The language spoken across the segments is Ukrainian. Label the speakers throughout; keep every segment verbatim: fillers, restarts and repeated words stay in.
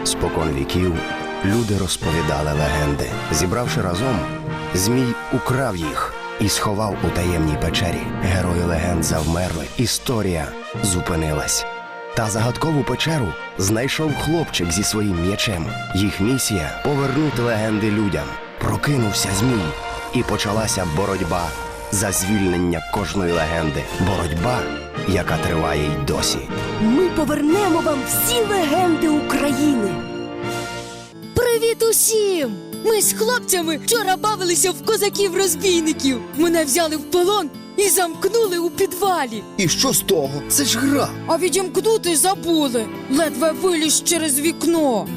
Speaker 1: Спокон віків люди розповідали легенди. Зібравши разом, Змій украв їх і сховав у таємній печері. Герої легенд завмерли, історія зупинилась. Та загадкову печеру знайшов хлопчик зі своїм м'ячем. Їх місія – повернути легенди людям. Прокинувся Змій, і почалася боротьба за звільнення кожної легенди. Боротьба, яка триває й досі.
Speaker 2: Ми повернемо вам всі легенди України.
Speaker 3: Привіт усім! Ми з хлопцями вчора бавилися в козаків-розбійників. Мене взяли в полон і замкнули у підвалі.
Speaker 1: І що з того? Це ж гра.
Speaker 3: А відімкнути забули. Ледве виліз через вікно.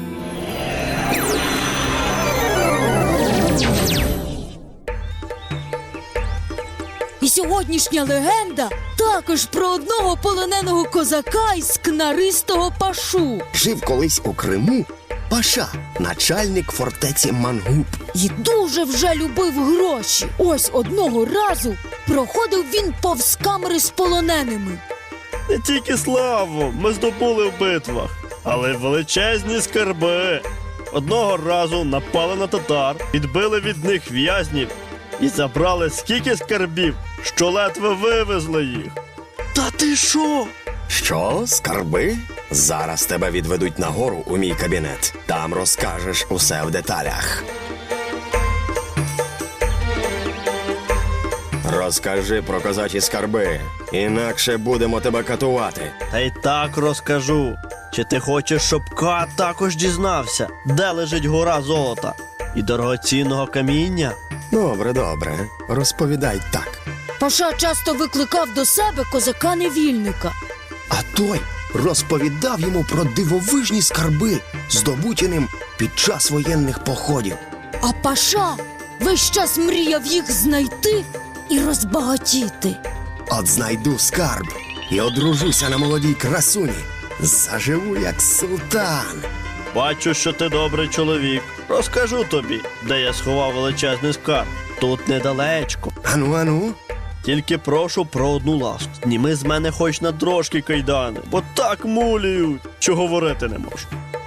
Speaker 3: І сьогоднішня легенда також про одного полоненого козака із кнаристого Пашу.
Speaker 1: Жив колись у Криму Паша, начальник фортеці Мангуб.
Speaker 3: І дуже вже любив гроші. Ось одного разу проходив він повз камери з полоненими.
Speaker 4: Не тільки славу ми здобули в битвах, але й величезні скарби. Одного разу напали на татар, відбили від них в'язнів і забрали скільки скарбів, що ледве вивезли їх. Та ти що?
Speaker 1: Що, скарби? Зараз тебе відведуть нагору у мій кабінет. Там розкажеш усе в деталях. Розкажи про козачі скарби, інакше будемо тебе катувати.
Speaker 4: Та й так розкажу. Чи ти хочеш, щоб Кат також дізнався, де лежить гора золота і дорогоцінного каміння?
Speaker 1: Добре, добре. Розповідай так.
Speaker 3: Паша часто викликав до себе козака-невільника.
Speaker 1: А той розповідав йому про дивовижні скарби, здобуті ним під час воєнних походів.
Speaker 3: А Паша весь час мріяв їх знайти і розбагатіти.
Speaker 1: От знайду скарб і одружуся на молодій красуні. Заживу як султан.
Speaker 4: Бачу, що ти добрий чоловік. Розкажу тобі, де я сховав величезний скарб. Тут недалечко.
Speaker 1: Ану, ану.
Speaker 4: Тільки прошу про одну ласку. Зніми з мене хоч на трошки кайдани, бо так мулюють, що говорити не можу.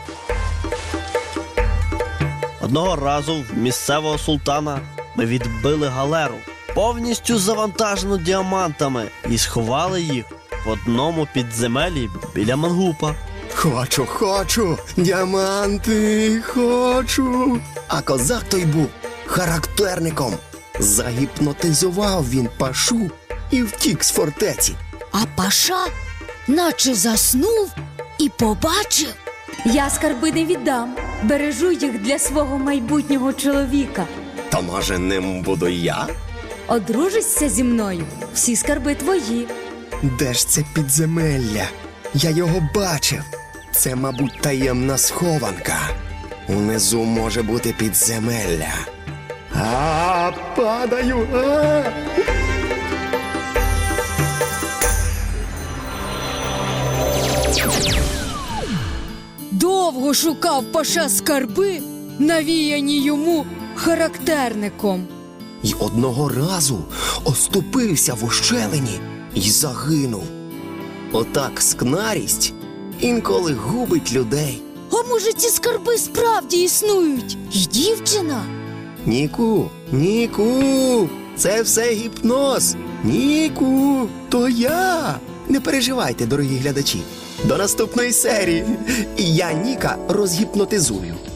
Speaker 4: Одного разу в місцевого султана ми відбили галеру, повністю завантажену діамантами, і сховали їх в одному підземеллі біля Мангупа.
Speaker 1: Хочу, хочу, діаманти, хочу. А козак той був характерником. Загіпнотизував він Пашу і втік з фортеці.
Speaker 3: А Паша наче заснув і побачив.
Speaker 2: Я скарби не віддам. Бережу їх для свого майбутнього чоловіка.
Speaker 1: То, може, ним буду я?
Speaker 2: Одружишся зі мною. Всі скарби твої.
Speaker 1: Де ж це підземелля? Я його бачив. Це, мабуть, таємна схованка. Унизу може бути підземелля. А, падаю! А!
Speaker 3: Довго шукав Паша скарби, навіяні йому характерником.
Speaker 1: І одного разу оступився в ущелині і загинув. Отак скнарість інколи губить людей.
Speaker 3: А може, ці скарби справді існують? І дівчина?
Speaker 1: Ніку, Ніку, це все гіпноз. Ніку, то я. Не переживайте, дорогі глядачі. До наступної серії. І я Ніка розгіпнотизую.